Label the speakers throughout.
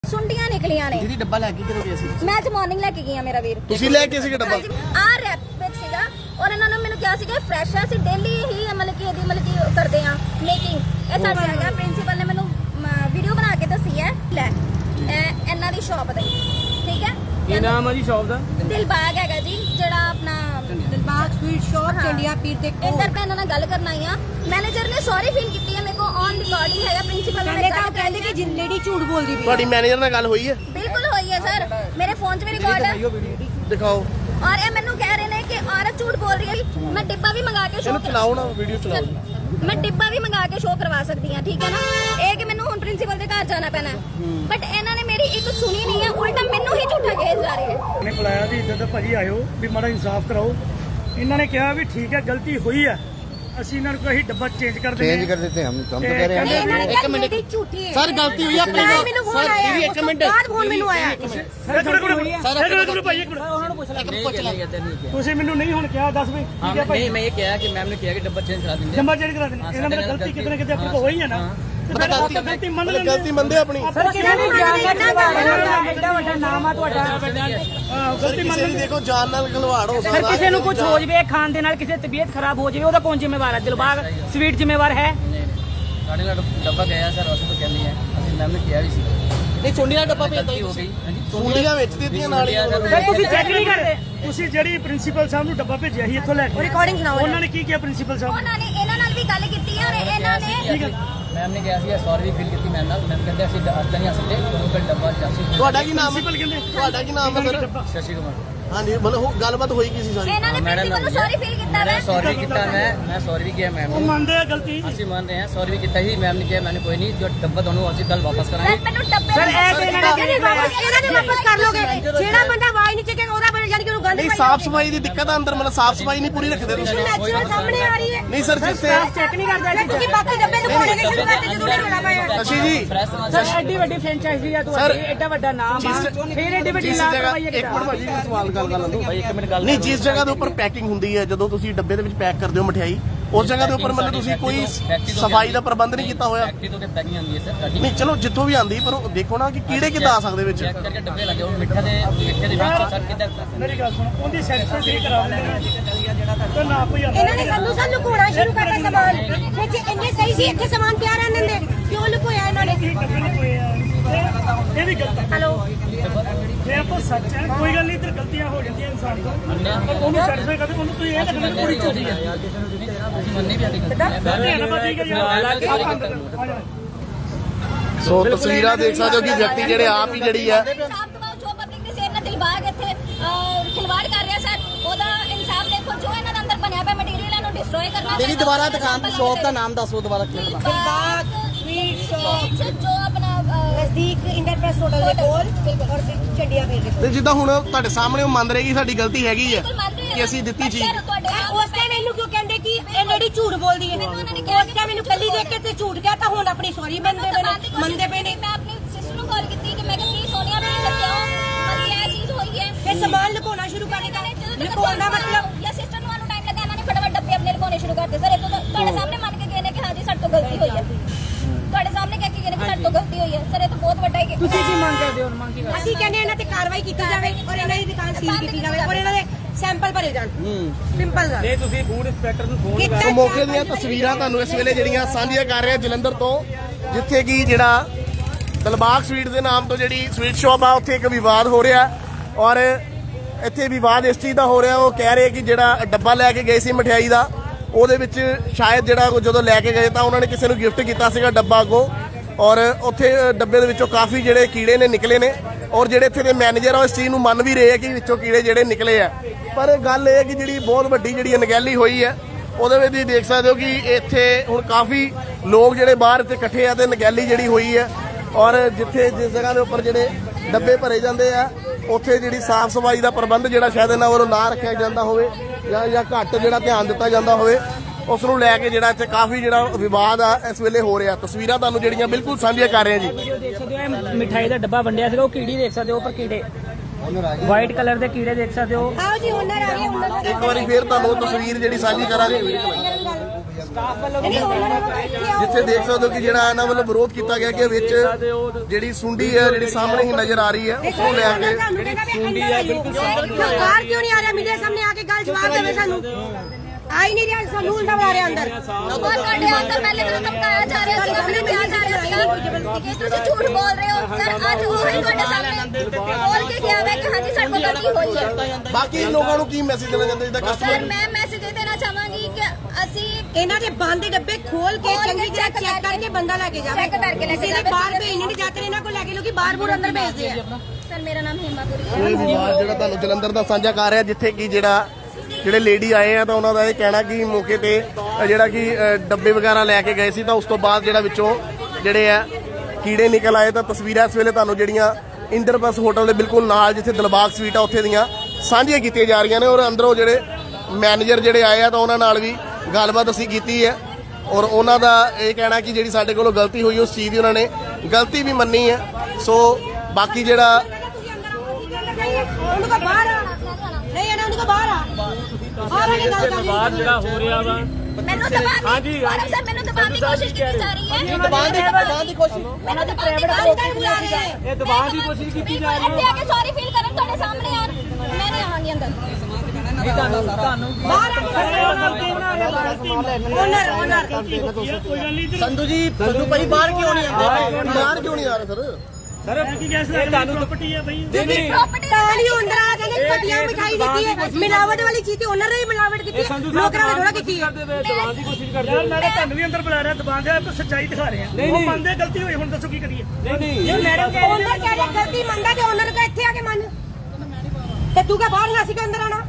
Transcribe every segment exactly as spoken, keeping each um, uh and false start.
Speaker 1: ਸੁੰਡੀਆਂ ਨਿਕਲੀਆਂ ਨੇ।
Speaker 2: ਦੀਦੀ ਡੱਬਾ ਲੈ ਕੇ ਕਿਦੋਂ ਗਏ ਸੀ?
Speaker 1: ਮੈਂ ਅੱਜ ਮਾਰਨਿੰਗ ਲੈ ਕੇ ਗਈ ਆ ਮੇਰਾ ਵੀਰ।
Speaker 2: ਤੁਸੀਂ ਲੈ ਕੇ ਸੀਗੇ ਡੱਬਾ?
Speaker 1: ਆ ਰੈਪਿਕ ਸੀਗਾ ਔਰ ਇਹਨਾਂ ਨੇ ਮੈਨੂੰ ਕਿਹਾ ਸੀ ਕਿ ਫਰੈਸ਼ ਹੈ, ਅਸੀਂ ਡੇਲੀ ਹੀ ਮਤਲਬ ਕਿ ਇਹਦੀ ਮਤਲਬ ਕਿ ਕਰਦੇ ਆ ਮੇਕਿੰਗ। ਇਹ ਸਾਡਾ ਹੈਗਾ ਪ੍ਰਿੰਸੀਪਲ ਨੇ ਮੈਨੂੰ ਵੀਡੀਓ ਬਣਾ ਕੇ ਦੱਸੀ ਹੈ। ਲੈ ਇਹ ਇਹਨਾਂ ਦੀ ਸ਼ਾਪ ਦੇ, ਠੀਕ ਹੈ।
Speaker 3: ਕੀ ਨਾਮ ਹੈ ਜੀ ਸ਼ਾਪ ਦਾ?
Speaker 1: ਦਿਲਬਾਗ ਹੈਗਾ ਜੀ, ਜਿਹੜਾ ਆਪਣਾ
Speaker 4: ਦਿਲਬਾਗ ਸਵੀਟ ਸ਼ਾਪ ਚੰਡੀਆ ਪੀਰ ਦੇ ਕੋਲ।
Speaker 1: ਇੰਦਰ ਭੈਣ ਨਾਲ ਗੱਲ ਕਰਨ ਆਈ ਆ। ਮੈਨੇਜਰ ਨੇ ਸੌਰੀ ਫੀਲ ਕੀਤੀ ਹੈ ਮੇਰੇ ਕੋ ਔਨ ਰਿਕਾਰਡਿੰਗ ਹੈਗਾ। ਪ੍ਰਿੰਸੀਪਲ ਨੇ
Speaker 4: ਕਹਿੰਦੇ ਕਹਿੰਦੇ ਕਿ ਜਿਨ ਲੇਡੀ ਝੂਠ ਬੋਲਦੀ ਵੀ।
Speaker 2: ਤੁਹਾਡੀ ਮੈਨੇਜਰ ਨਾਲ ਗੱਲ ਹੋਈ ਹੈ?
Speaker 1: ਬਿਲਕੁਲ ਹੋਈ ਹੈ ਸਰ, ਮੇਰੇ ਫੋਨ 'ਚ ਵੀ ਰਿਕਾਰਡ ਹੈ।
Speaker 2: ਦਿਖਾਓ।
Speaker 1: ਔਰ ਇਹ ਮੈਨੂੰ ਕਹਿ ਰਹੇ ਨੇ ਕਿ ਔਰਤ ਝੂਠ ਬੋਲ ਰਹੀ ਹੈ। ਮੈਂ ਡਿੱਬਾ ਵੀ ਮੰਗਾ ਕੇ ਸ਼ੋਅ
Speaker 2: ਇਹਨੂੰ ਚਲਾਓ ਨਾ, ਵੀਡੀਓ ਚਲਾਓ ਜੀ।
Speaker 1: ਮੈਂ ਡਿੱਬਾ ਵੀ ਮੰਗਾ ਕੇ ਸ਼ੋਅ ਕਰਵਾ ਸਕਦੀ ਹਾਂ, ਠੀਕ ਹੈ ਨਾ। ਇਹ ਕਿ ਮੈਨੂੰ ਹੁਣ ਪ੍ਰਿੰਸੀਪਲ ਦੇ ਘਰ ਜਾਣਾ ਪੈਣਾ, ਬਟ ਇਹਨਾਂ ਨੇ ਮੇਰੀ ਇੱਕ ਸੁਣੀ ਨਹੀਂ ਹੈ, ਉਲਟਾ ਮੈਨੂੰ ਹੀ ਝੂਠਾ ਕਹੇ ਜਾ ਰਹੇ ਹੈ।
Speaker 5: ਉਹਨੇ ਬੁਲਾਇਆ ਵੀ ਇੱਧਰ ਦਾ ਭਾਜੀ ਆਇਓ ਵੀ ਮਾੜਾ ਇਨਸਾਫ ਕਰਾਓ। ਇਹਨਾਂ ਨੇ ਕਿਹਾ ਵੀ ਠੀਕ ਹੈ ਗਲਤੀ ਹੋਈ ਹੈ, ਅਸੀਂ ਇਹਨਾਂ ਨੂੰ ਕਹੀ ਡੱਬਾ ਚੇਂਜ ਕਰ ਦਿੰਦੇ
Speaker 6: चेंज कर देते हम हम तो कह रहे हैं।
Speaker 4: ਇਹਨਾਂ ਨੇ
Speaker 2: ਇੱਕ
Speaker 4: ਕਿਹਾ
Speaker 2: ਮਿੰਟ।
Speaker 4: ਲੇਡੀ ਝੂਠੀ ਹੈ।
Speaker 2: ਸਰ ਗਲਤੀ ਹੋਈ ਆਪਣੀ।
Speaker 4: ਮੈਨੂੰ ਫੋਨ
Speaker 2: ਸਰ
Speaker 4: ਆਇਆ
Speaker 2: ਦੀਦੀ ਇੱਕ ਮਿੰਟ।
Speaker 4: ਬਾਅਦ ਫੋਨ ਮੈਨੂੰ ਆਇਆ।
Speaker 5: ਇੱਕ ਮਿੰਟ ਭਾਈ, ਇੱਕ ਮਿੰਟ
Speaker 3: ਉਹਨਾਂ ਨੂੰ ਪੁੱਛ ਲੈ।
Speaker 2: ਪੁੱਛ ਲੈ।
Speaker 5: ਤੁਸੀਂ ਮੈਨੂੰ ਨਹੀਂ ਹੁਣ ਕਿਹਾ ਦੱਸ ਵੀ ਠੀਕ ਹੈ ਭਾਈ।
Speaker 3: ਨਹੀਂ ਮੈਂ ਇਹ ਕਿਹਾ ਕਿ ਮੈਮ ਨੇ ਕਿਹਾ ਕਿ ਡੱਬਾ ਚੇਂਜ ਕਰਾ ਦਿੰਦੇ।
Speaker 5: ਡੱਬਾ ਚੇਂਜ ਕਰਾ ਦੇਣਾ। ਇਹਨਾਂ ਨੇ ਗਲਤੀ ਕਿਤੇ ਨਾ ਕਿਤੇ ਆਪਣੇ ਕੋਲ ਹੋਈ ਹੈ ਨਾ।
Speaker 2: ਪਤਾ ਗਲਤੀ
Speaker 5: ਗਲਤੀ ਮੰਨ
Speaker 2: ਮਤਲਬ
Speaker 5: ਲੈਂਦੇ।
Speaker 2: ਗਲਤੀ ਮੰਨਦੇ ਆਪਣੀ।
Speaker 5: ਸਰ
Speaker 4: ਕਿਹਨਾਂ ਨੂੰ ਜਾਣਦਾ
Speaker 5: ਐਡਾ ਵੱਡਾ ਨਾਮ ਆ ਤੁਹਾਡਾ। ਗਲਤੀ ਮੰਨ
Speaker 2: ਕਿਸੇ ਦੀ ਦੇਖੋ ਜਾਨ ਨਾਲ ਖਿਲਵਾੜ ਹੋ
Speaker 7: ਸਰ
Speaker 2: ਸਕਦਾ।
Speaker 7: ਕਿਸੇ ਨੂੰ ਕੁਝ ਹੋ ਜਵੇ, ਖਾਣ ਦੇ ਨਾਲ ਕਿਸੇ ਦੀ ਤਬੀਅਤ ਖਰਾਬ ਹੋ ਜਵੇ, ਉਹਦਾ ਕੌਣ ਜ਼ਿੰਮੇਵਾਰ ਹੈ? ਦਿਲਬਾਗ ਸਵੀਟ ਜ਼ਿੰਮੇਵਾਰ ਹੈ?
Speaker 3: ਸਾਡੇ ਨਾਲ ਡੱਬਾ ਗਿਆ ਸਰ, ਅਸੀਂ ਤਾਂ ਕਹਿੰਦੇ ਆ, ਅਸੀਂ ਮੈਮ ਨੇ ਕਿਹਾ ਵੀ ਸੀ।
Speaker 2: ਨਹੀਂ ਸੁੰਡੀਆਂ ਡੱਬਾ ਭੇਜਦਾ
Speaker 3: ਗਲਤੀ ਹੋ ਗਈ। ਹਾਂਜੀ
Speaker 2: ਸੁੰਡੀਆਂ ਵਿੱਚ ਦਿੱਤੀਆਂ ਨਾਲ ਹੀ।
Speaker 7: ਸਰ ਤੁਸੀਂ ਚੈੱਕ ਨਹੀਂ ਕਰਦੇ?
Speaker 5: ਤੁਸੀਂ ਜਿਹੜੀ ਪ੍ਰਿੰਸੀਪਲ ਸਾਹਿਬ ਨੂੰ ਡੱਬਾ ਭੇਜਿਆ ਸੀ ਇੱਥੋਂ ਲੈ ਕੇ,
Speaker 4: ਰਿਕਾਰਡਿੰਗ ਸੁਣਾਓ।
Speaker 5: ਉਹਨਾਂ ਨੇ ਕੀ ਕਿਹਾ ਪ੍ਰਿੰਸੀਪਲ ਸਾਹਿਬ?
Speaker 1: ਉਹਨਾਂ ਨੇ ਇਹਨਾਂ ਨਾਲ ਵੀ ਗੱਲ ਕੀਤੀ ਹੈ ਔਰ ਇਹਨਾਂ ਨੇ
Speaker 3: ਮੈਮ ਨੇ ਕਿਹਾ ਸੀ ਸੌਰੀ ਵੀ ਫੀਲ ਕੀਤੀ ਮੈਮ ਨਾਲ। ਮੈਮ ਕਹਿੰਦੇ ਅਸੀਂ ਅੱਜ ਨਹੀਂ ਆ ਸਕਦੇ, ਤੁਹਾਨੂੰ ਕੱਲ ਡੱਬਾ ਚਾਸੀ।
Speaker 2: ਤੁਹਾਡਾ ਕੀ ਨਾਮ ਹੈ?
Speaker 5: ਪ੍ਰਿੰਸੀਪਲ ਕਹਿੰਦੇ
Speaker 2: ਤੁਹਾਡਾ ਕੀ ਨਾਮ ਹੈ ਸਰ?
Speaker 3: ਸ਼ਸ਼ੀ ਕੁਮਾਰ।
Speaker 2: ਹਾਂਜੀ ਮਤਲਬ ਉਹ ਗੱਲਬਾਤ ਹੋਈ ਕੀ ਸੀ ਸਾਰੀ?
Speaker 1: ਇਹਨਾਂ ਨੇ ਪ੍ਰਿੰਸੀਪਲ ਨੂੰ ਸੌਰੀ ਫੀਲ ਕੀਤਾ
Speaker 3: ਮੈਂ
Speaker 1: ਹੈ।
Speaker 3: ਸੌਰੀ ਕੀਤਾ, ਮੈਂ ਮੈਂ ਸੌਰੀ ਵੀ ਕਿਹਾ ਮੈਮ
Speaker 5: ਉਹ
Speaker 3: ਨੂੰ।
Speaker 5: ਮੰਨਦੇ ਆ ਗਲਤੀ।
Speaker 3: ਅਸੀਂ ਮੰਨ ਰਹੇ ਹਾਂ, ਸੌਰੀ ਵੀ ਕੀਤਾ ਸੀ। ਮੈਮ ਨੇ ਕਿਹਾ ਮੈंने ਕੋਈ ਨਹੀਂ, ਜੋ ਡੱਬਾ ਤੁਹਾਨੂੰ ਅਸੀਂ ਕੱਲ ਵਾਪਸ
Speaker 1: ਸਰ
Speaker 3: ਕਰਾਂਗੇ।
Speaker 1: ਮੈਨੂੰ ਡੱਬੇ
Speaker 7: ਸਰ ਇਹ ਤੇ ਇਹਨਾਂ ਨੇ
Speaker 4: ਇਹਨਾਂ ਨੇ ਵਾਪਸ ਕਰ ਲੋਗੇ। ਜਿਹੜਾ ਬੰਦਾ ਆਵਾਜ਼ ਨਹੀਂ ਚੱਕੇਗਾ ਉਹਦਾ ਬਣ ਜਾਨੀ ਕਿ ਉਹਨੂੰ ਗੰਦ
Speaker 2: ਨਹੀਂ ਸਾਫ ਸਫਾਈ ਦੀ ਦਿੱਕਤ ਆ ਅੰਦਰ, ਮਤਲਬ ਸਾਫ ਸਫਾਈ ਨਹੀਂ ਪੂਰੀ ਰੱਖਦੇ ਤੁਸੀਂ।
Speaker 4: ਨੈਚੁਰਲ ਸਾਹਮਣੇ ਆ ਰਹੀ ਹੈ।
Speaker 2: ਨਹੀਂ ਸਰ ਜਿੱਥੇ
Speaker 7: ਚੈੱਕ ਨਹੀਂ ਕਰਦੇ?
Speaker 4: ਤੁਸੀਂ ਬਾਕੀ ਡੱਬੇ ਲੁਕਾਉਣੇ ਕਿ ਸ਼ੁਰੂ ਕਰਦੇ ਜਦੋਂ ਉਹਨਾਂ ਰੋਲਾ ਪਾਇਆ।
Speaker 2: ਅਸੀਂ ਜੀ
Speaker 7: ਸਰ ਐਡੀ ਵੱਡੀ ਫਰੈਂਚਾਈਜ਼ੀ ਆ ਤੁਹਾਡੀ, ਐਡਾ ਵੱਡਾ ਨਾਮ ਆ, ਫਿਰ ਐਡੀ ਵੱਡੀ
Speaker 2: ਜਿਸ
Speaker 7: ਲਾਪਰਵਾਹੀ
Speaker 2: ਜਗ੍ਹਾ
Speaker 7: ਹੈ
Speaker 2: ਇੱਕ ਮਿੰਟ ਭਾਜੀ ਸਵਾਲ ਗੱਲ ਕਰ ਲੰਦੋ।
Speaker 3: ਭਾਈ ਇੱਕ ਮਿੰਟ ਗੱਲ
Speaker 2: ਨਹੀਂ ਜਿਸ ਜਗ੍ਹਾ ਦੇ ਉੱਪਰ ਪੈਕਿੰਗ ਹੁੰਦੀ ਹੈ, ਜਦੋਂ ਤੁਸੀਂ ਡੱਬੇ ਦੇ ਵਿੱਚ ਪੈਕ ਕਰਦੇ ਹੋ ਮਠਿਆਈ, ਉਸ ਜਗ੍ਹਾ ਦੇ ਉੱਪਰ ਮਤਲਬ ਤੁਸੀਂ ਕੋਈ ਸਫਾਈ ਦਾ ਪ੍ਰਬੰਧ ਨਹੀਂ ਕੀਤਾ ਹੋਇਆ?
Speaker 3: ਫੈਕਟਰੀ ਤੋਂ ਕਿ ਪੈਕਿੰਗ ਆਉਂਦੀ ਹੈ ਸਰ ਸਾਡੀ।
Speaker 2: ਨਹੀਂ ਚਲੋ ਜਿੱਥੋਂ ਵੀ ਆਂਦੀ, ਪਰ ਉਹ ਦੇਖੋ ਨਾ ਕਿ ਕੀੜੇ ਕਿੱਦਾਂ ਆ ਸਕਦੇ ਵਿੱਚ।
Speaker 3: ਚੈੱਕ ਕਰਕੇ ਡੱਬੇ ਲੱਗੇ ਹੋਣ ਮਿੱਠੇ ਦੇ ਮਿੱਠੇ ਦੇ ਵਿੱਚ ਸਰ ਕਿੱਦਾਂ।
Speaker 5: ਮੇਰੀ ਗੱਲ ਸੁਣੋ, ਉਹਦੀ ਸੈਟੀਸਫਾਈ ਕਰਾ ਦਿੰਦੇ ਤਾਂ ਨਾ ਕੋਈ ਆਉਂਦਾ।
Speaker 4: ਇਹਨਾਂ ਨੇ ਸਾਨੂੰ ਸਾਨੂੰ ਲੁਕਾਉਣਾ ਸ਼ੁਰੂ ਕਰਤਾ ਸਮਾਨ। ਜੇ ਇੰਨੇ ਸਹੀ ਸੀ ਇੱਥੇ ਸਮਾਨ ਪਿਆ ਰਹਿਣ ਦਿੰਦੇ, ਕਿਉਂ ਲੁਕੋਇਆ ਇਹਨਾਂ ਨੇ?
Speaker 5: ਕੀ ਡੱਬੇ ਨੇ ਕੋਈ ਆ। ਇਹ ਵੀ ਗਲਤ ਹੈ।
Speaker 4: ਹੈਲੋ
Speaker 5: ਜੇ ਆਪਾਂ ਸੱਚ ਹੈ, ਕੋਈ ਗੱਲ ਨਹੀਂ, ਇੱਧਰ ਗਲਤੀਆਂ ਹੋ ਜਾਂਦੀਆਂ ਇਨਸਾਨ ਤੋਂ, ਪਰ ਉਹਨੂੰ ਸੈਟੀਸਫਾਈ ਕਰਦੇ ਉਹਨੂੰ ਤੁਸੀਂ ਇਹ ਲੱਗਣਾ ਪੂਰੀ ਝੂਠੀ ਹੈ।
Speaker 3: ਅਸੀਂ ਮੰਨੇ ਵੀ ਸਾਡੀ ਗਲਤੀ
Speaker 5: ਧੰਨਵਾਦ ਠੀਕ ਹੈ ਜੀ।
Speaker 2: ਸੋ ਤਸਵੀਰਾਂ ਦੇਖ ਸਕਦੇ ਹੋ ਕਿ ਵਿਅਕਤੀ ਜਿਹੜੇ ਆਪ ਹੀ ਜਿਹੜੀ ਹੈ
Speaker 1: ਇਨਸਾਫ ਦਿਵਾਓ। ਜੋ ਪਬਲਿਕ ਦੇ ਸਿਰ ਨਾਲ ਦਿਲਬਾਗ ਇੱਥੇ ਅਹ, ਖਿਲਵਾੜ ਕਰ ਰਿਹਾ ਸਰ, ਉਹਦਾ ਇਨਸਾਫ ਦੇਖੋ। ਜੋ ਇਹਨਾਂ ਦੇ ਅੰਦਰ ਬਣਿਆ ਪਿਆ ਮਟੀਰੀਅਲ ਇਹਨੂੰ ਡਿਸਟਰੋਏ ਕਰਨਾ।
Speaker 2: ਦੀਦੀ ਦੁਬਾਰਾ ਦੁਕਾਨ ਦੀ ਸ਼ੌਪ ਦਾ ਨਾਮ ਦੱਸੋ ਦੁਬਾਰਾ।
Speaker 1: ਦਿਲਬਾਗ
Speaker 4: ਸਵੀਟ ਸ਼ਾਪ
Speaker 1: ਜੋ ਆਪਣਾ ਅਹ,
Speaker 4: ਨਜ਼ਦੀਕ ਇੰਟਰਪ੍ਰੈਸ ਹੋਟਲ ਦੇ ਕੋਲ ਔਰ ਚੰਡੀਆ ਪੀਰ ਦੇ ਕੋਲ।
Speaker 2: ਤੇ ਜਿੱਦਾਂ ਹੁਣ ਤੁਹਾਡੇ ਸਾਹਮਣੇ ਉਹ ਮੰਨ ਰਹੇ ਕਿ ਸਾਡੀ ਗਲਤੀ ਹੈਗੀ ਹੈ ਕਿ ਅਸੀਂ ਦਿੱਤੀ ਚੀਜ਼।
Speaker 4: ਉਸ ਟਾਈਮ ਇਹਨੂੰ ਕਿਉਂ ਕਹਿੰਦੇ ਕਿ ਇਹ ਲੇਡੀ ਝੂਠ ਬੋਲਦੀ ਹੈ? ਉਸ ਟਾਈਮ ਮੈਨੂੰ ਕੱਲੀ ਦੇਖ ਕੇ ਤੇ ਝੂਠ ਕਿਹਾ, ਤਾਂ ਹੁਣ ਆਪਣੀ ਸੌਰੀ ਮੰਨਦੇ ਪਏ ਨੇ ਮੰਨਦੇ ਪਏ ਨੇ।
Speaker 1: ਮੈਂ ਆਪਣੀ ਸਿਸਟਰ ਨੂੰ ਕਾਲ ਕੀਤੀ ਕਿ ਮੈਂ ਕਿਹਾ ਪਲੀਜ਼ ਸੋਨੀਆ ਪਲੀਜ਼ ਦੱਸਿਓ ਕਿ ਇਹ ਚੀਜ਼ ਹੋਈ ਹੈ।
Speaker 4: ਫਿਰ ਸਮਾਨ ਲੁਕਾਉਣਾ ਸ਼ੁਰੂ ਕਰ ਦਿੱਤਾ। ਲੁਕਾਉਣ ਦਾ ਮਤਲਬ
Speaker 1: ਜਾਂ ਸਿਸਟਰ ਨੂੰ ਆਨੂੰ ਟਾਈਮ ਲੱਗਿਆ, ਇਹਨਾਂ ਨੇ ਫਟਾਫਟ ਡੱਬੇ ਆਪਣੇ ਲੁਕਾਉਣੇ ਸ਼ੁਰੂ ਕਰਤੇ। ਸਰ ਇਹ ਤਾਂ ਤੁਹਾਡੇ ਸਾਹਮਣੇ ਮੰਨ ਕੇ ਗਏ ਨੇ ਕਿ ਹਾਂਜੀ ਸਾਡੇ ਤੋਂ ਗਲਤੀ ਹੋਈ ਹੈ। ਤੁਹਾਡੇ ਸਾਹਮਣੇ ਕਹਿ ਕੇ ਗਏ ਨੇ ਕਿ ਸਾਡੇ ਤੋਂ ਗਲਤੀ ਹੋਈ ਹੈ। ਸਰ ਇਹ ਤਾਂ ਬਹੁਤ ਵੱਡਾ ਹੈ।
Speaker 7: ਤੁਸੀਂ ਕੀ ਮੰਗ ਕਰਦੇ ਹੋ? ਮੰਗ ਕੀ ਕਰਦੇ?
Speaker 4: ਅਸੀਂ ਕਹਿੰਦੇ ਇਹਨਾਂ ਤੇ ਕਾਰਵਾਈ ਕੀਤੀ ਜਾਵੇ ਔਰ ਇਹਨਾਂ ਦੀ ਦੁਕਾਨ ਸੀਲ ਕੀਤੀ ਜਾਵੇ ਔਰ ਇਹਨਾਂ ਦੇ ਸੈਂਪਲ ਭਰੇ ਜਾਣ। ਸਿੰਪਲ ਗੱਲ।
Speaker 3: ਇਹ ਤੁਸੀਂ ਫੂਡ ਇੰਸਪੈਕਟਰ ਨੂੰ ਫੋਨ
Speaker 4: ਕੀਤਾ
Speaker 2: ਸੋ ਮੌਕੇ ਦੀਆਂ ਤਸਵੀਰਾਂ ਤੁਹਾਨੂੰ ਇਸ ਵੇਲੇ ਜਿਹੜੀਆਂ ਸਾਂਝੀਆਂ ਕਰ ਰਹੇ ਹਾਂ ਜਲੰਧਰ ਤੋਂ, ਜਿੱਥੇ ਕਿ ਜਿਹੜਾ ਦਿਲਬਾਗ ਸਵੀਟ ਦੇ ਨਾਮ ਤੋਂ ਜਿਹੜੀ ਸਵੀਟ ਸ਼ਾਪ ਆ, ਉੱਥੇ ਇੱਕ ਵਿਵਾਦ ਹੋ ਰਿਹਾ ਔਰ ਇੱਥੇ ਵਿਵਾਦ ਇਸ ਚੀਜ਼ ਦਾ ਹੋ ਰਿਹਾ, ਉਹ ਕਹਿ ਰਹੇ ਕਿ ਜਿਹੜਾ ਡੱਬਾ ਲੈ ਕੇ ਗਏ ਸੀ ਮਠਿਆਈ ਦਾ, ਉਹਦੇ ਵਿੱਚ ਸ਼ਾਇਦ ਜਿਹੜਾ ਜਦੋਂ ਲੈ ਕੇ ਗਏ ਤਾਂ ਉਹਨਾਂ ਨੇ ਕਿਸੇ ਨੂੰ ਗਿਫਟ ਕੀਤਾ ਸੀਗਾ ਡੱਬਾ ਅੱਗੋਂ, ਔਰ ਉੱਥੇ ਡੱਬੇ ਦੇ ਵਿੱਚੋਂ ਕਾਫੀ ਜਿਹੜੇ ਕੀੜੇ ਨੇ ਨਿਕਲੇ ਨੇ ਔਰ ਜਿਹੜੇ ਇੱਥੇ ਦੇ ਮੈਨੇਜਰ ਆ ਇਸ ਚੀਜ਼ ਨੂੰ ਮੰਨ ਵੀ ਰਹੇ ਆ ਕਿ ਵਿੱਚੋਂ ਕੀੜੇ ਜਿਹੜੇ ਨਿਕਲੇ ਆ। ਪਰ ਗੱਲ ਇਹ ਹੈ ਕਿ ਜਿਹੜੀ ਬਹੁਤ ਵੱਡੀ ਜਿਹੜੀ ਅਣਗਹਿਲੀ ਹੋਈ ਹੈ, ਉਹਦੇ ਵਿੱਚ ਤੁਸੀਂ ਦੇਖ ਸਕਦੇ ਹੋ ਕਿ ਇੱਥੇ ਹੁਣ ਕਾਫੀ ਲੋਕ ਜਿਹੜੇ ਬਾਹਰ ਇੱਥੇ ਇਕੱਠੇ ਆ ਤੇ ਅਣਗਹਿਲੀ ਜਿਹੜੀ ਹੋਈ ਹੈ ਔਰ ਜਿੱਥੇ ਜਿਸ ਜਗ੍ਹਾ ਦੇ ਉੱਪਰ ਜਿਹੜੇ ਡੱਬੇ ਭਰੇ ਜਾਂਦੇ ਆ, ਉੱਥੇ ਜਿਹੜੀ ਸਾਫ਼ ਸਫਾਈ ਦਾ ਪ੍ਰਬੰਧ ਜਿਹੜਾ ਸ਼ਾਇਦ ਇਹਨਾਂ ਵੱਲੋਂ ਨਾ ਰੱਖਿਆ ਜਾਂਦਾ ਹੋਵੇ ਜਾਂ ਜਾਂ ਘੱਟ ਜਿਹੜਾ ਧਿਆਨ ਦਿੱਤਾ ਜਾਂਦਾ ਹੋਵੇ, ਉਸ ਨੂੰ ਲੈ ਕੇ ਜਿਹੜਾ ਇੱਥੇ ਕਾਫੀ ਜਿਹੜਾ ਵਿਵਾਦ ਆ ਇਸ ਵੇਲੇ ਹੋ ਰਿਹਾ। ਤਸਵੀਰਾਂ ਤੁਹਾਨੂੰ ਜਿਹੜੀਆਂ ਬਿਲਕੁਲ ਸਾਂਝੀਆਂ ਕਰ ਰਹੇ ਹਾਂ ਜੀ।
Speaker 7: ਵੀਡੀਓ ਦੇਖ ਸਕਦੇ ਹੋ, ਇਹ ਮਿਠਾਈ ਦਾ ਡੱਬਾ ਵੰਡਿਆ ਸੀਗਾ, ਉਹ ਕੀੜੀ ਦੇਖ ਸਕਦੇ ਹੋ, ਉੱਪਰ ਕੀੜੇ ਵਾਈਟ ਕਲਰ ਦੇ ਕੀੜੇ ਦੇਖ ਸਕਦੇ ਹੋ।
Speaker 4: ਆਓ ਜੀ ਹੁਨਰ ਆ ਗਏ ਹੁਨਰ।
Speaker 2: ਇੱਕ ਵਾਰੀ ਫੇਰ ਤੁਹਾਨੂੰ ਤਸਵੀਰ ਜਿਹੜੀ ਸਾਂਝੀ ਕਰਾਂਗੇ। ਜਿੱਥੇ ਦੇਖ ਸਕਦੇ ਹੋ ਕਿ ਜਿਹੜਾ ਇਹਨਾਂ ਵੱਲੋਂ ਵਿਰੋਧ ਕੀਤਾ ਗਿਆ ਕਿ ਵਿੱਚ ਜਿਹੜੀ ਸੁੰਡੀ ਹੈ ਜਿਹੜੀ ਸਾਹਮਣੇ ਹੀ ਨਜ਼ਰ ਆ ਰਹੀ ਹੈ ਉਸ ਨੂੰ ਲੈ ਕੇ
Speaker 4: ਸੁੰਡੀ ਹੈ ਬਿਲਕੁਲ ਬਾਹਰ ਕਿਉਂ ਨਹੀਂ ਆ ਰਿਹਾ ਮੀਡੀਆ ਸਾਹਮਣੇ ਆ ਕੇ ਗੱਲ ਜਵਾਬ ਦੇਵੇ ਸਾਨੂੰ ਆ ਹੀ ਨਹੀਂ ਰਿਹਾ ਸਾਨੂੰ ਉਲਟਾ ਬਣਾ ਰਿਹਾ ਅੰਦਰ
Speaker 1: ਬਹੁਤ ਤੁਹਾਡੇ ਅੰਦਰ ਪਹਿਲੇ ਮੈਨੂੰ ਧਮਕਾਇਆ ਜਾ ਰਿਹਾ ਸੀ ਮੈਨੂੰ ਕਿਹਾ ਜਾ ਰਿਹਾ ਸੀਗਾ ਕਿ ਤੁਸੀਂ ਝੂਠ ਬੋਲ ਰਹੇ ਹੋ ਸਰ ਅੱਜ ਉਹ ਹੀ ਤੁਹਾਡੇ ਸਾਹਮਣੇ ਬੋਲ ਕੇ ਗਿਆ ਹੈ ਕਿ ਹਾਂਜੀ ਸਾਡੇ ਕੋਲ ਗਲਤੀ ਹੋਈ ਹੈ
Speaker 2: ਬਾਕੀ ਲੋਕਾਂ ਨੂੰ ਕੀ ਮੈਸੇਜ ਦੇਣਾ ਚਾਹੁੰਦੇ ਜਿੱਦਾਂ
Speaker 1: ਸਰ
Speaker 2: ਕਸਟਮਰ
Speaker 1: ਮੈਂ ਮੈਸੇਜ ਇਹ ਦੇਣਾ ਚਾਹਾਂਗੀ ਕਿ ਅਸੀਂ
Speaker 4: ਇਹਨਾਂ ਦੇ ਬੰਦ ਡੱਬੇ ਖੋਲ ਕੇ
Speaker 1: ਖੋਲ ਕੇ
Speaker 4: ਚੰਗੀ ਤਰ੍ਹਾਂ
Speaker 1: check
Speaker 4: ਚੈੱਕ ਕਰਕੇ ਬੰਦਾ ਲੈ ਕੇ ਜਾਵੇ
Speaker 1: check ਕਰਕੇ ਲੈ ਕੇ
Speaker 4: ਕਿਸੇ ਦੇ
Speaker 1: ਜਾਵੇ।
Speaker 4: ਬਾਹਰ ਭੇਜਣੇ ਨਹੀਂ ਜਾਂਦੇ ਇਹਨਾਂ ਕੋਲ ਲੈ ਕੇ ਲੋਕੀ ਬਾਹਰ ਬੂਰ ਅੰਦਰ ਭੇਜਦੇ ਆ
Speaker 1: ਸਰ ਮੇਰਾ ਨਾਮ ਹਿੰਮਾਪੁਰੀ
Speaker 2: ਇਹ
Speaker 1: ਹੈ
Speaker 2: ਵਿਵਾਦ ਜਿਹੜਾ ਤੁਹਾਨੂੰ ਜਲੰਧਰ ਦਾ ਸਾਂਝਾ ਕਰ ਰਿਹਾ ਜਿੱਥੇ ਕਿ ਜਿਹੜਾ ਜਿਹੜੇ ਲੇਡੀ ਆਏ ਆ ਤਾਂ ਉਹਨਾਂ ਦਾ ਇਹ ਕਹਿਣਾ ਕਿ ਮੌਕੇ ਤੇ ਅ, ਜਿਹੜਾ ਕਿ ਅ, ਡੱਬੇ ਵਗੈਰਾ ਲੈ ਕੇ ਗਏ ਸੀ ਤਾਂ ਉਸ ਤੋਂ ਬਾਅਦ ਜਿਹੜਾ ਵਿੱਚੋਂ ਜਿਹੜੇ ਆ ਕੀੜੇ ਨਿਕਲ ਆਏ ਤਾਂ ਤਸਵੀਰਾਂ ਇਸ ਵੇਲੇ ਤੁਹਾਨੂੰ ਜਿਹੜੀਆਂ ਇੰਦਰਬਸ ਹੋਟਲ ਦੇ ਬਿਲਕੁਲ ਨਾਲ ਜਿੱਥੇ ਦਿਲਬਾਗ ਸਵੀਟ ਆ ਉੱਥੇ ਦੀਆਂ ਸਾਂਝੀਆਂ ਕੀਤੀਆਂ ਜਾ ਰਹੀਆਂ ਨੇ ਔਰ ਅੰਦਰੋਂ ਜਿਹੜੇ ਮੈਨੇਜਰ ਜਿਹੜੇ ਆਏ ਆ ਤਾਂ ਉਹਨਾਂ ਨਾਲ ਵੀ ਗੱਲਬਾਤ ਅਸੀਂ ਕੀਤੀ ਹੈ ਔਰ ਉਹਨਾਂ ਦਾ ਇਹ ਕਹਿਣਾ ਕਿ ਜਿਹੜੀ ਸਾਡੇ ਕੋਲੋਂ ਗਲਤੀ ਹੋਈ ਉਸ ਚੀਜ਼ ਦੀ ਉਹਨਾਂ ਨੇ ਗਲਤੀ ਵੀ ਮੰਨੀ ਹੈ ਸੋ ਬਾਕੀ ਜਿਹੜਾ
Speaker 4: ਉਹਨੂੰ ਕੋ ਬਾਹਰ ਆ ਨਹੀਂ ਇਹਨਾਂ ਨੂੰ ਕੋ ਬਾਹਰ ਆ ਬਾਹਰ ਆ ਕੇ ਗੱਲ ਕਰ
Speaker 5: ਬਾਹਰ ਜਿਹੜਾ ਹੋ ਰਿਹਾ ਵਾ
Speaker 1: ਮੈਨੂੰ ਦਬਾਉਣ
Speaker 5: ਹਾਂਜੀ,
Speaker 1: ਦੀ
Speaker 5: ਹਾਂਜੀ।
Speaker 1: ਸਰ ਮੈਨੂੰ ਦਬਾਉਣ ਦੀ ਕੋਸ਼ਿਸ਼ ਕੀਤੀ ਜਾ ਰਹੀ ਹੈ
Speaker 2: ਦਬਾਉਣ ਦੀ ਦਬਾਉਣ ਦੀ ਕੋਸ਼ਿਸ਼
Speaker 1: ਮੈਨੂੰ ਦਬਾਉਣ ਦੀ ਕੋਸ਼ਿਸ਼
Speaker 4: ਬੁਲਾ ਰਹੇ ਆ
Speaker 5: ਇਹ ਦਬਾਅ ਦੀ ਕੋਸ਼ਿਸ਼ ਕੀਤੀ ਜਾ ਰਹੀ
Speaker 1: ਇੱਥੇ ਆ ਕੇ ਸੌਰੀ ਫੀਲ ਕਰਨ ਤੁਹਾਡੇ ਸਾਹਮਣੇ ਯਾਰ ਮੈਂ ਨਹੀਂ ਆਵਾਂਗੀ ਅੰਦਰ
Speaker 3: ਤੁਹਾਨੂੰ ਤੁਹਾਨੂੰ
Speaker 4: ਬਾਹਰ ਆ ਕੇ ਓਨਰ ਓਨਰ
Speaker 5: ਕੋਈ ਗੱਲ ਨਹੀਂ
Speaker 2: ਸੰਧੂ ਜੀ ਸੰਧੂ ਭਾਈ ਬਾਹਰ ਕਿਉਂ ਨਹੀਂ ਆਉਂਦੇ ਬਾਹਰ ਕਿਉਂ ਨਹੀਂ ਆ ਰਹੇ ਸਰ
Speaker 5: ਸਰ ਕੀ ਗੈਸ ਲੱਗ ਤੁਹਾਨੂੰ ਪ੍ਰਾਪਰਟੀ ਹੈ ਬਈ
Speaker 1: ਪ੍ਰਾਪਰਟੀ
Speaker 4: ਤਾਂ ਨਹੀਂ ਅੰਦਰ ਆ ਜਾਂਦੇ ਪਟੀਆਂ ਮਿਠਾਈ ਦਿੱਤੀ ਹੈ ਮਿਲਾਵਟ ਵਾਲੀ ਚੀਜ਼ ਤੇ ਓਨਰ ਨੇ ਮਿਲਾਵਟ ਕੀਤੀ ਹੈ ਲੋਕਾਂ ਨੇ ਥੋੜਾ ਕੀਤੀ ਹੈ
Speaker 5: ਦਬਾਅ ਦੀ ਕੋਸ਼ਿਸ਼ ਕਰਦੇ ਯਾਰ ਮੈਂ ਤਾਂ ਤੁਹਾਨੂੰ ਵੀ ਅੰਦਰ ਬੁਲਾ ਰਿਹਾ ਦਬਾਅ ਦੇ ਆਪ ਸੱਚਾਈ ਦਿਖਾ ਰਹੇ ਆ ਉਹ ਬੰਦੇ ਗਲਤੀ ਹੋਈ ਹੁਣ ਦੱਸੋ ਕੀ ਕਰੀਏ ਨਹੀਂ ਨਹੀਂ ਇਹ ਮੈਡਮ ਕਹਿ
Speaker 4: ਓਨਰ ਕਹਿ ਰਿਹਾ ਗਲਤੀ ਮੰਨਦਾ ਤੇ ਓਨਰ ਕੋ ਇੱਥੇ ਆ ਕੇ ਮੰਨ ਤੇ ਤੂੰ ਕਹ ਬਾਹਰ ਨਾ ਸੀ ਕਿ ਅੰਦਰ ਆਣਾ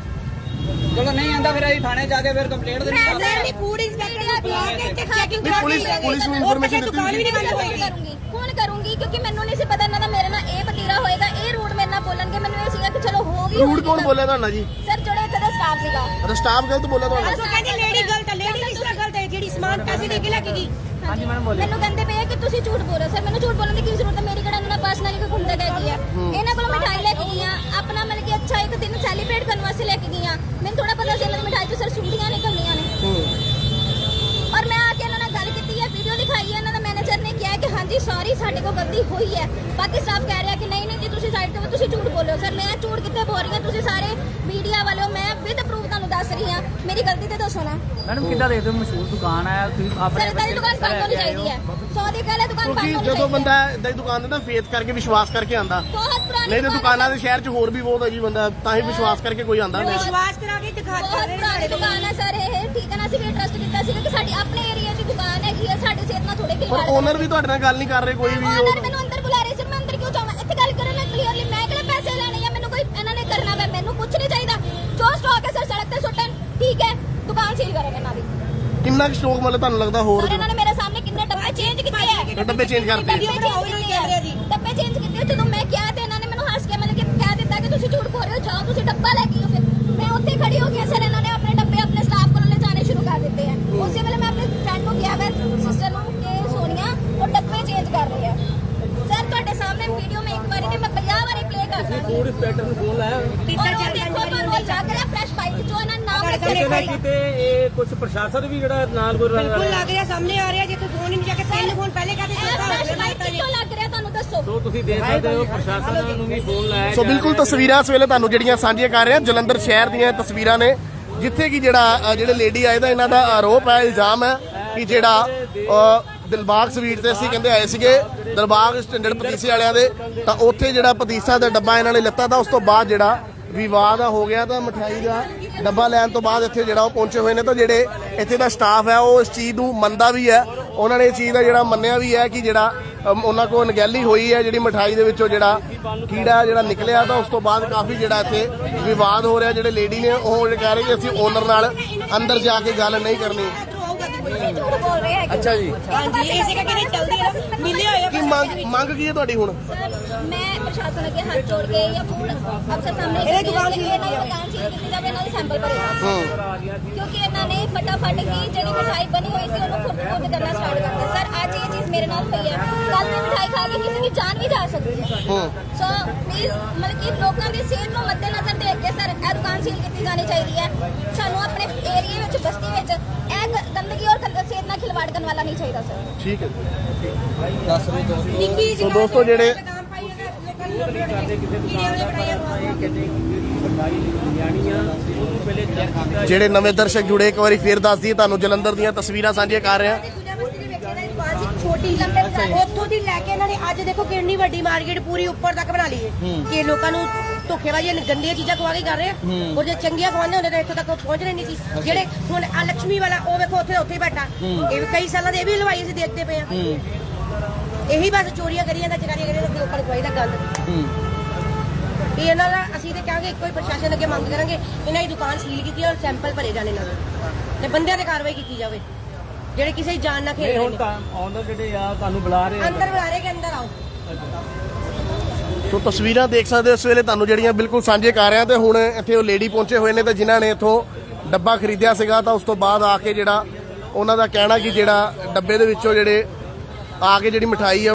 Speaker 3: ਚਲੋ ਨਹੀਂ ਆਂਦਾ ਫਿਰ ਅਸੀਂ ਥਾਣੇ ਜਾ ਕੇ ਫਿਰ ਕੰਪਲੇਂਟ ਦੇਣੀ
Speaker 4: ਮੈਂ ਨਹੀਂ ਫੂਡ ਇੰਸਪੈਕਟਰ ਨੂੰ ਬੁਲਾ ਕੇ ਤੇ ਚੈਕਿੰਗ
Speaker 2: ਨਹੀਂ, ਪੁਲਿਸ ਪੁਲਿਸ ਨੂੰ ਇਨਫੋਰਮੇਸ਼ਨ ਦਿੱਤੀ
Speaker 4: ਦੁਕਾਨ ਵੀ ਨਹੀਂ ਬੰਦ ਹੋਏਗੀ
Speaker 1: ਕਰੂੰਗੀ ਫੋਨ ਕਰੂੰਗੀ ਕਿਉਂਕਿ ਮੈਨੂੰ ਨਹੀਂ ਸੀ ਪਤਾ ਇਹਨਾਂ ਦਾ ਮੇਰੇ ਨਾਲ ਇਹ ਵਤੀਰਾ ਹੋਏਗਾ ਇਹ ਰੂਟ ਮੇਰੇ ਨਾਲ ਬੋਲਣਗੇ ਮੈਨੂੰ ਇਹ ਸੀਗਾ ਕਿ ਚਲੋ ਹੋ ਗਈ
Speaker 2: ਰੂਟ ਕੌਣ ਬੋਲਿਆ ਤੁਹਾਨੂੰ ਜੀ
Speaker 1: ਸਰ ਜਿਹੜੇ ਇੱਥੇ ਦਾ ਸਟਾਫ ਸੀਗਾ
Speaker 2: ਅਰੇ ਸਟਾਫ ਗਲਤ ਬੋਲਿਆ ਤੁਹਾਨੂੰ
Speaker 4: ਉਹ ਕਹਿੰਦੇ ਲੇਡੀ ਗਲਤ ਹੈ ਲੇਡੀ ਕਿਸ ਤਰ੍ਹਾਂ ਗਲਤ ਹੈ ਜਿਹੜੀ ਸਮਾਨ ਪੈਸੇ ਦੇ ਕੇ ਲੈ ਕੇ ਗਈ
Speaker 1: ਹਾਂਜੀ ਮੈਡਮ ਬੋਲੇ ਮੈਨੂੰ ਕਹਿੰਦੇ ਪਏ ਆ ਕਿ ਤੁਸੀਂ ਝੂਠ ਬੋਲ ਰਹੇ ਹੋ ਸਰ ਮੈਨੂੰ ਝੂਠ ਬੋਲਣ ਦੀ ਕੀ ਜ਼ਰੂਰਤ ਹੈ ਮੇਰੀ ਕਿਹੜਾ ਇਹਨਾਂ ਨਾਲ ਪਰਸਨਲੀ ਕੋਈ ਘੁੰਮਦਾ ਹੈਗੀ ਆ ਇਹਨਾਂ ਕੋਲੋਂ ਮਿਠਾਈ ਲੈ ਕੇ ਗਈਆਂ ਆਪਣਾ ਮਤਲਬ ਕਿ ਅੱਛਾ ਇੱਕ ਦਿਨ ਸੈਲੀਬ੍ਰੇਟ ਕਰਨ ਵਾਸਤੇ ਲੈ ਕੇ ਗਈਆਂ ਮੈਨੂੰ ਥੋੜਾ ਪਤਾ ਸੀ ਇਹਨਾਂ ਦੀ ਮਿਠਾਈ 'ਚ ਸਰ ਸੁੰਡੀਆਂ ਨਿਕਲਣੀਆਂ ਨੇ ਔਰ ਮੈਂ ਆ ਕੇ ਇਹਨਾਂ ਨਾਲ ਗੱਲ ਕੀਤੀ ਹੈ ਵੀਡੀਓ ਦਿਖਾਈ ਹੈ ਇਹਨਾਂ ਦਾ ਮੈਨੇਜਰ ਨੇ ਕਿਹਾ ਕਿ ਹਾਂਜੀ ਸੌਰੀ ਸਾਡੇ ਕੋਲ ਗਲਤੀ ਹੋਈ ਹੈ ਬਾਕੀ ਸਟਾਫ ਕਹਿ ਰਿਹਾ ਕਿ ਨਹੀਂ ਨਹੀਂ ਜੀ ਤੁਸੀਂ ਸਾਈਡ ਤੇ ਤੁਸੀਂ ਝੂਠ ਬੋਲੋ ਸਰ ਮੈਂ ਝੂਠ ਕਿੱਥੇ ਬੋਲ ਰਹੀ ਹਾਂ ਤੁਸੀਂ ਸਾਰੇ ਮੀਡੀਆ ਵਾਲਿਓ ਮੈਂ ਵਿਦ ਪ੍ਰੂਫ ਤੁਹਾਨੂੰ ਦੱਸ ਰਹੀ ਹਾਂ ਮੇਰੀ ਗਲਤੀ ਤੇ ਦੱਸੋ ਨਾ
Speaker 7: ਮੈਡਮ ਕਿੱਦਾਂ ਦੇਖਦੇ ਹੋ ਮਸ਼ਹੂਰ ਦੁਕਾਨ ਹੈ ਤੁਸੀਂ
Speaker 1: ਸਰ
Speaker 7: ਆਪਣੇ
Speaker 1: ਇਦਾਂ ਦੀ ਦੁਕਾਨ ਬੰਦ ਹੋਣੀ ਚਾਹੀਦੀ ਹੈ ਸੌ ਦੀ ਗੱਲ ਹੈ ਦੁਕਾਨ ਬੰਦ
Speaker 2: ਕਿਉਂਕਿ
Speaker 1: ਹੋਣੀ
Speaker 2: ਜਦੋਂ
Speaker 1: ਚਾਹੀਦੀ ਹੈ
Speaker 2: ਬੰਦਾ ਇਦਾਂ ਦੀ ਦੁਕਾਨ ਤੇ ਨਾ ਫੇਥ ਕਰਕੇ ਵਿਸ਼ਵਾਸ ਕਰਕੇ ਆਂਦਾ
Speaker 1: ਬਹੁਤ ਪੁਰਾਣੀ
Speaker 2: ਨਹੀਂ ਤੇ ਦੁਕਾਨਾਂ ਦੇ ਸ਼ਹਿਰ 'ਚ ਹੋਰ ਵੀ ਬਹੁਤ ਹੈ ਜੀ ਬੰਦਾ ਤਾਂ ਹੀ ਵਿਸ਼ਵਾਸ ਕਰਕੇ ਕੋਈ ਆਂਦਾ ਨਹੀਂ
Speaker 4: ਵਿਸ਼ਵਾਸ ਕਰਾ ਕੇ ਦਿਖਾ
Speaker 1: ਬਹੁਤ ਪੁਰਾਣੀ ਦੁਕਾਨ ਹੈ ਸਰ ਇਹ ਠੀਕ ਹੈ ਨਾ ਅਸੀਂ ਵੀ ਟਰਸਟ ਕੀਤਾ ਸੀ ਕਿ ਸਾਡੀ ਆਪਣੇ ਏਰੀਆ ਦੀ ਦੁਕਾਨ ਹੈਗੀ ਹੈ ਸਾਡੀ ਸਿਹਤ ਨਾਲ ਥੋੜੇ
Speaker 2: ਪਰ
Speaker 1: ਖਿਲਵਾੜ
Speaker 2: ਓਨਰ ਵੀ ਤੁਹਾਡੇ ਨਾਲ ਗੱਲ ਨਹੀਂ ਕਰ ਰਹੇ ਕੋਈ ਵੀ
Speaker 1: ਓਨਰ ਮੈਨੂੰ ਅੰਦਰ ਬੁਲਾ ਰਹੇ ਸੀ ਮੈਂ ਅੰਦਰ ਕਿਉਂ ਜਾਵਾਂ ਇੱਥੇ ਗੱਲ ਕਰਨ ਨਾਲ ਕਲੀਅਰਲੀ ਮੈਂ ਕਿਹੜੇ ਪੈਸੇ ਲੈਣੇ ਆ ਮੈਨੂੰ ਕੋਈ ਇਹਨਾਂ ਨੇ ਕਰਨਾ ਵਾ ਮੈਨੂੰ ਕੁਝ ਨਹੀਂ ਚਾਹੀਦਾ ਜੋ ਸਟਾਕ ਹੈ ਸਰ ਸੜਕ ਤੇ ਸੁੱਟਣ ਠੀਕ ਹੈ ਦੁਕਾਨ ਸੀਲ ਕਰਨ ਇਹਨਾਂ ਦੀ
Speaker 2: ਕਿੰਨਾ ਕੁ ਸਟਾਕ ਮਤਲਬ ਤੁਹਾਨੂੰ ਲੱਗਦਾ ਹੋਰ
Speaker 1: ਸਰ ਇਹਨਾਂ ਨੇ ਮੇਰੇ ਸਾਹਮਣੇ ਕਿੰਨੇ ਡੱਬੇ ਚੇਂਜ ਕੀਤੇ ਆ
Speaker 2: ਡੱਬੇ ਚੇਂਜ ਕਰਤੇ
Speaker 1: ਡੱਬੇ change ਕੀਤੇ ਆ। ਡੱਬੇ ਚੇਂਜ ਕੀਤੇ ਜਦੋਂ ਮੈਂ ਕਿਹਾ ਤੇ ਇਹਨਾਂ ਨੇ ਮੈਨੂੰ ਹੱਸ ਕੇ ਮਤਲਬ ਕਿ ਕਹਿ ਦਿੱਤਾ ਕਿ ਤੁਸੀਂ ਝੂਠ ਬੋਲ ਰਹੇ ਹੋ ਜਾਓ ਤੁਸੀਂ ਡੱਬਾ ਲੈ ਕੇ ਆਓ ਫਿਰ ਮੈਂ ਉੱਥੇ ਖੜੀ ਹੋ ਗਿਆ ਸਰ ਇਹਨਾਂ ਨੇ ਆਪਣੇ ਡੱਬੇ ਆਪਣੇ ਸਟਾਫ ਕੋਲ ਲੈ ਜਾਣੇ ਸ਼ੁਰੂ ਕਰ ਦਿੱਤੇ ਆ ਉਸੇ ਵੇਲੇ ਮੈਂ ਆਪਣੇ ਫਰੈਂਡ ਨੂੰ ਕਿਹਾ ਮੈਂ ਸਿਸਟਰ ਨੂੰ ਕਿ ਸੋਨੀਆ ਉਹ ਡੱਬੇ ਚੇਂਜ ਕਰ ਰਹੀ ਹੈ ਸਰ ਤੁਹਾਡੇ ਸਾਹਮਣੇ ਵੀਡੀਓ ਮੈਂ ਇੱਕ ਵਾਰੀ ਨਹੀਂ ਮੈਂ ਪੰਜਾਹ ਵਾਰੀ ਪਲੇ ਕਰ ਦਾਂਗੀ
Speaker 5: ਫੂਡ ਇੰਸਪੈਕਟਰ ਨੂੰ ਫੋਨ ਲਾਇਆ
Speaker 1: ਔਰ ਉਹ ਦੇਖੋ ਤੁਹਾਨੂੰ ਉਹ ਲੱਗ ਰਿਹਾ ਫਰੈਸ਼ ਬਾਈਟ ਜੋ ਇਹਨਾਂ ਨਾਮ ਰੱਖਿਆ
Speaker 5: ਕਿਤੇ ਨਾ
Speaker 1: ਹੈ
Speaker 5: ਕਿਤੇ ਇਹ ਕੁਝ ਪ੍ਰਸ਼ਾਸਨ ਵੀ ਜਿਹੜਾ ਨਾਲ ਕੋਈ
Speaker 4: ਬਿਲਕੁਲ ਲੱਗ ਰਿਹਾ ਸਾਹਮਣੇ ਆ ਰਿਹਾ ਜੇ ਤੂੰ ਫੋਨ ਹੀ ਨਹੀਂ ਜਾ ਕੇ ਤਿੰਨ ਫੋਨ ਪਹਿਲੇ ਕਹਦੇ
Speaker 1: ਇਹ ਫਰੈਸ਼ ਬਾਈਟ ਕਿੱਥੋਂ ਲੱਗ ਰਿਹਾ ਤੁਹਾਨੂੰ ਦੱਸੋ
Speaker 5: ਸੋ ਤੁਸੀਂ ਦੇਖ ਸਕਦੇ ਹੋ ਪ੍ਰਸ਼ਾਸਨ ਨੂੰ ਵੀ ਫੋਨ ਲਾਇਆ
Speaker 2: ਸੋ ਬਿਲਕੁਲ ਤਸਵੀਰਾਂ ਇਸ ਵੇਲੇ ਤੁਹਾਨੂੰ ਜਿਹੜੀਆਂ ਸਾਂਝੀਆਂ ਕਰ ਰਹੇ ਹਾਂ ਜਲੰਧਰ ਸ਼ਹਿਰ ਦੀਆਂ ਇਹ ਤਸਵੀਰਾਂ ਨੇ ਜਿੱਥੇ ਕਿ ਜਿਹੜਾ ਅ, ਜਿਹੜੇ ਲੇਡੀ ਆਏ ਦਾ ਇਹਨਾਂ ਦਾ ਆਰੋਪ ਹੈ ਇਲਜ਼ਾਮ ਹੈ ਕਿ ਜਿਹੜਾ ਅ, ਦਿਲਬਾਗ ਸਵੀਟ ਤੇ ਅਸੀਂ ਕਹਿੰਦੇ ਆਏ ਸੀਗੇ ਦਿਲਬਾਗ ਸਟੈਂਡਰਡ ਪਤੀਸੇ ਵਾਲਿਆਂ ਦੇ ਤਾਂ ਉੱਥੇ ਜਿਹੜਾ ਪਤੀਸਾ ਦਾ ਡੱਬਾ ਇਹਨਾਂ ਨੇ ਲਿੱਤਾ ਤਾਂ ਉਸ ਤੋਂ ਬਾਅਦ ਜਿਹੜਾ ਵਿਵਾਦ ਹੋ ਗਿਆ ਤਾਂ ਮਠਿਆਈ ਦਾ ਡੱਬਾ ਲੈਣ ਤੋਂ ਬਾਅਦ ਇੱਥੇ ਜਿਹੜਾ ਉਹ ਪਹੁੰਚੇ ਹੋਏ ਨੇ ਤਾਂ ਜਿਹੜੇ ਇੱਥੇ ਦਾ ਸਟਾਫ ਹੈ ਉਹ ਇਸ ਚੀਜ਼ ਨੂੰ ਮੰਨਦਾ ਵੀ ਹੈ ਉਹਨਾਂ ਨੇ ਇਹ ਚੀਜ਼ ਦਾ ਜਿਹੜਾ ਮੰਨਿਆ ਵੀ ਹੈ ਕਿ ਜਿਹੜਾ ਅਮ, ਉਹਨਾਂ ਕੋਲ ਅਣਗਹਿਲੀ ਹੋਈ ਹੈ ਜਿਹੜੀ ਮਠਾਈ ਦੇ ਵਿੱਚੋਂ ਜਿਹੜਾ ਕੀੜਾ ਜਿਹੜਾ ਨਿਕਲਿਆ ਤਾਂ ਉਸ ਤੋਂ ਬਾਅਦ ਕਾਫੀ ਜਿਹੜਾ ਇੱਥੇ ਵਿਵਾਦ ਹੋ ਰਿਹਾ ਜਿਹੜੇ ਲੇਡੀ ਨੇ ਉਹ ਕਹਿ ਰਹੇ ਕਿ ਅਸੀਂ ਓਨਰ ਨਾਲ ਅੰਦਰ ਜਾ ਕੇ ਗੱਲ ਨਹੀਂ ਕਰਨੀ
Speaker 1: ਤੁਸੀਂ ਝੂਠ ਬੋਲ ਰਹੇ ਹੈਗੇ
Speaker 2: ਅੱਛਾ ਜੀ
Speaker 4: ਹਾਂਜੀ ਇਸੇ ਕਰਕੇ ਨਹੀਂ ਚੱਲਦੀ ਹੈ ਨਾ ਮਿਲੇ ਹੋਏ ਆ
Speaker 2: ਕੀ ਮੰਗ ਮੰਗ ਕੀ ਹੈ ਤੁਹਾਡੀ ਹੁਣ
Speaker 1: ਸਰ ਮੈਂ ਪ੍ਰਸ਼ਾਸਨ ਅੱਗੇ ਹੱਥ ਜੋੜ ਕੇ ਜਾਂ ਫੂਡ ਅਫਸਰ ਸਾਹਮਣੇ
Speaker 4: ਇਹਦੇ ਦੁਕਾਨ
Speaker 1: ਸੀ ਇਹਨਾਂ ਦੀ ਦੁਕਾਨ ਸੀ ਕੀਤੀ ਜਾਵੇ ਇਹਨਾਂ ਦੇ ਸੈਂਪਲ ਭਰੇ
Speaker 2: ਹੂੰ
Speaker 1: ਕਿਉਂਕਿ ਇਹਨਾਂ ਨੇ ਫਟਾਫਟ ਹੀ ਜਿਹੜੀ ਮਿਠਾਈ ਬਣੀ ਹੋਈ ਸੀ ਉਹਨੂੰ ਖੁਦ ਖੁਦ ਕਰਨਾ ਸਟਾਰਟ ਕਰਤਾ ਸਰ ਅੱਜ ਇਹ ਚੀਜ਼ ਮੇਰੇ ਨਾਲ ਹੋਈ ਹੈ ਕੱਲ ਮੈਂ ਮਿਠਾਈ ਖਾ ਕੇ ਕਿਸੇ ਦੀ ਜਾਨ ਵੀ ਜਾ ਸਕਦੀ ਹੈ ਸੋ ਪਲੀਜ਼ ਮਤਲਬ ਕਿ ਲੋਕਾਂ ਦੀ ਸਿਹਤ ਨੂੰ ਮੱਦੇਨਜ਼ਰ ਦੇਖ ਕੇ ਸਰ ਇਹ ਦੁਕਾਨ ਸੀਲ ਕੀਤੀ ਜਾਣੀ ਚਾਹੀਦੀ ਹੈ। ਸਾਨੂੰ ਆਪਣੇ ਏਰੀਆ ਵਿੱਚ ਬਸਤੀ ਵਿੱਚ ਇਹ ਗ- ਗੰਦਗੀ ਔਰ ਗੰਦ ਸਿਹਤ ਨਾਲ ਖਿਲਵਾੜ ਕਰਨ ਵਾਲਾ ਨਹੀਂ ਚਾਹੀਦਾ ਸਰ।
Speaker 2: ਠੀਕ ਹੈ
Speaker 6: ਦੱਸ ਰਹੇ ਦੋਸਤੋ
Speaker 4: ਨਿੱਕੀ ਜਿਹੀ
Speaker 2: ਸੋ ਦੋਸਤੋ ਜਿਹੜੇ
Speaker 4: ਲਗਾਮ ਪਾਈ ਹੈ ਲੋਕਾਂ ਨੂੰ ਰੋਟੀ ਰੋਟੀ ਕੀੜੇ ਵਾਲੇ ਬਣਾਏ ਆ।
Speaker 2: ਜਿਹੜੇ ਨਵੇਂ ਦਰਸ਼ਕ ਜੁੜੇ ਇੱਕ ਵਾਰੀ ਫੇਰ ਦੱਸ ਦਈਏ ਤੁਹਾਨੂੰ ਜਲੰਧਰ ਦੀਆਂ ਤਸਵੀਰਾਂ ਸਾਂਝੀਆਂ ਕਰ ਰਹੇ ਹਾਂ।
Speaker 4: ਛੋਟੀ ਲੰਬੇ ਉੱਥੋਂ ਦੀ ਲੈ ਕੇ ਇਹਨਾਂ ਨੇ ਅੱਜ ਦੇਖੋ ਕਿੰਨੀ ਵੱਡੀ ਮਾਰਕੀਟ ਪੂਰੀ ਉੱਪਰ ਤੱਕ ਬਣਾ ਲਈ ਹੈ ਕਿ ਲੋਕਾਂ ਨੂੰ ਧੋਖੇਬਾਜ਼ੀ ਗੰਦੀਆਂ ਚੀਜ਼ਾਂ ਖਵਾ ਕੇ ਕਰ ਰਹੇ ਆ ਔਰ ਜੇ ਚੰਗੀਆਂ ਖਵਾਉਂਦੇ ਹੁੰਦੇ ਤਾਂ ਇੱਥੋਂ ਤੱਕ ਪਹੁੰਚਣੇ ਨਹੀਂ ਸੀ। ਜਿਹੜੇ ਹੁਣ ਆ ਲక్ష్ਮੀ ਵਾਲਾ ਉਹ ਵੇਖੋ ਉੱਥੇ ਉੱਥੇ ਹੀ ਬੈਠਾ ਇਹ ਵੀ ਕਈ ਸਾਲਾਂ ਦੇ ਇਹ ਵੀ ਹਲਵਾਈ ਅਸੀਂ ਦੇਖਦੇ ਪਏ ਆ। ਇਹੀ ਬਸ ਚੋਰੀਆਂ ਕਰੀ ਜਾਂਦਾ ਚਕਾਰੀਆਂ ਕਰੀ ਜਾਂਦਾ ਲੋਕਾਂ ਨੂੰ ਖਵਾਈ ਦਾ ਗੱਲ ਇਹ ਇਹਨਾਂ ਦਾ ਅਸੀਂ ਤੇ ਕਹਾਂਗੇ ਇੱਕੋ ਹੀ ਪ੍ਰਸ਼ਾਸਨ ਅੱਗੇ ਮੰਗ ਕਰਾਂਗੇ ਇਹਨਾਂ ਦੀ ਦੁਕਾਨ ਸੀਲ ਕੀਤੀ ਔਰ ਸੈਂਪਲ ਭਰੇ ਜਾਣੇ ਇਹਨਾਂ ਦੇ ਤੇ ਬੰਦਿਆਂ ਤੇ ਕਾਰਵਾਈ ਕੀਤੀ ਜਾਵੇ ਜਿਹੜੇ ਕਿਸੇ ਦੀ ਜਾਨ ਨਾਲ ਖੇਡ ਰਹੇ ਨੇ।
Speaker 7: ਆਉਂਦਾ ਜਿਹੜੇ ਆ ਤੁਹਾਨੂੰ ਬੁਲਾ ਰਹੇ
Speaker 4: ਅੰਦਰ ਬੁਲਾ ਰਹੇ ਕਿ ਅੰਦਰ ਆਓ।
Speaker 2: ਸੋ ਤਸਵੀਰਾਂ ਦੇਖ ਸਕਦੇ ਹੋ ਇਸ ਵੇਲੇ ਤੁਹਾਨੂੰ ਜਿਹੜੀਆਂ ਬਿਲਕੁਲ ਸਾਂਝੇ ਕਰ ਰਿਹਾ ਤੇ ਹੁਣ ਇੱਥੇ ਉਹ ਲੇਡੀ ਪਹੁੰਚੇ ਹੋਏ ਨੇ ਤੇ ਜਿਨ੍ਹਾਂ ਨੇ ਇੱਥੋਂ ਡੱਬਾ ਖਰੀਦਿਆ ਸੀਗਾ ਤਾਂ ਉਸ ਤੋਂ ਬਾਅਦ ਆ ਕੇ ਜਿਹੜਾ ਉਹਨਾਂ ਦਾ ਕਹਿਣਾ ਕਿ ਜਿਹੜਾ ਡੱਬੇ ਦੇ ਵਿੱਚੋਂ ਜਿਹੜੇ ਆ ਕੇ ਜਿਹੜੀ ਮਠਾਈ ਆ